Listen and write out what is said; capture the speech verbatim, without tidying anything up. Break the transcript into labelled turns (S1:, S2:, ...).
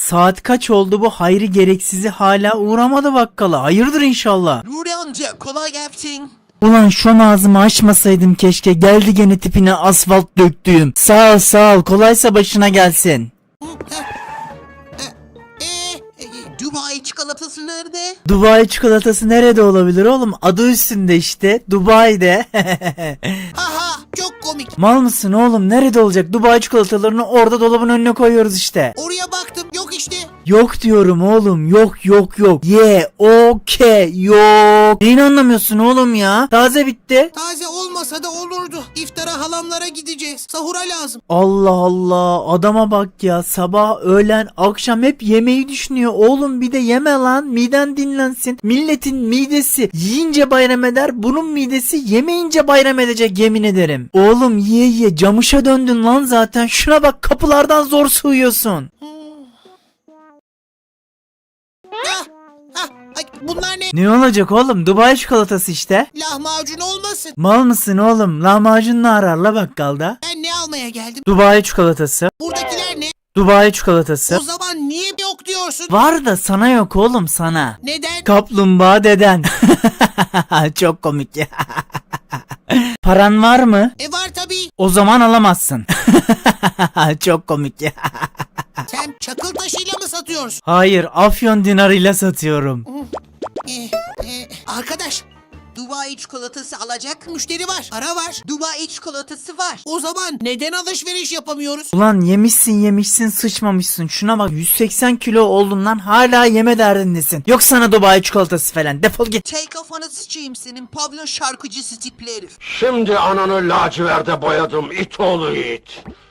S1: saat kaç oldu, bu Hayri gereksizi hala uğramadı bakkala. Hayırdır inşallah.
S2: Nuri amca kolay gelsin.
S1: Ulan şu an ağzımı açmasaydım keşke, geldi gene tipine asfalt döktüğüm. Sağ ol sağ ol, kolaysa başına gelsin.
S2: Eee Dubai çikolatası nerede?
S1: Dubai çikolatası nerede olabilir oğlum? Adı üstünde işte, Dubai'de.
S2: Haha çok komik.
S1: Mal mısın oğlum, nerede olacak? Dubai çikolatalarını orada dolabın önüne koyuyoruz işte.
S2: Oraya baktım yok işte.
S1: Yok diyorum oğlum, yok yok yok. Ye okey yok. Neyini anlamıyorsun oğlum ya? Taze bitti.
S2: Taze olmasa da olurdu. İftara halamlara gideceğiz. Sahura lazım.
S1: Allah Allah, adama bak ya, sabah öğlen akşam hep yemeği düşünüyor. Oğlum bir de yeme lan, miden dinlensin. Milletin midesi yiyince bayram eder, bunun midesi yemeyince bayram edecek, yemin ederim. Oğlum ye ye camışa döndün lan zaten, şuna bak, kapılardan zor sığıyorsun.
S2: Ah, ah, ay, bunlar ne?
S1: Ne olacak oğlum, Dubai çikolatası işte.
S2: Lahmacun olmasın.
S1: Mal mısın oğlum, lahmacun ne arar la bakkalda?
S2: Ben ne almaya geldim?
S1: Dubai çikolatası.
S2: Buradakiler ne?
S1: Dubai çikolatası.
S2: O zaman niye yok diyorsun?
S1: Var da sana yok oğlum, sana.
S2: Neden?
S1: Kaplumbağa deden. Çok komik ya. Paran var mı?
S2: E var tabii.
S1: O zaman alamazsın. Çok komik ya.
S2: Sen çakıl taşıyla mı satıyorsun?
S1: Hayır, Afyon dinarıyla satıyorum.
S2: Ee, e, arkadaş, Dubai çikolatası alacak müşteri var. Para var. Dubai çikolatası var. O zaman neden alışveriş yapamıyoruz?
S1: Ulan yemişsin yemişsin sıçmamışsın. Şuna bak, yüz seksen kilo oldun lan, hala yeme derdindesin. Yok sana Dubai çikolatası falan, defol git.
S2: Take kafanı sıçayım senin pavyon şarkıcısı tipli herif.
S3: Şimdi ananı laciverde boyadım it oğlu it.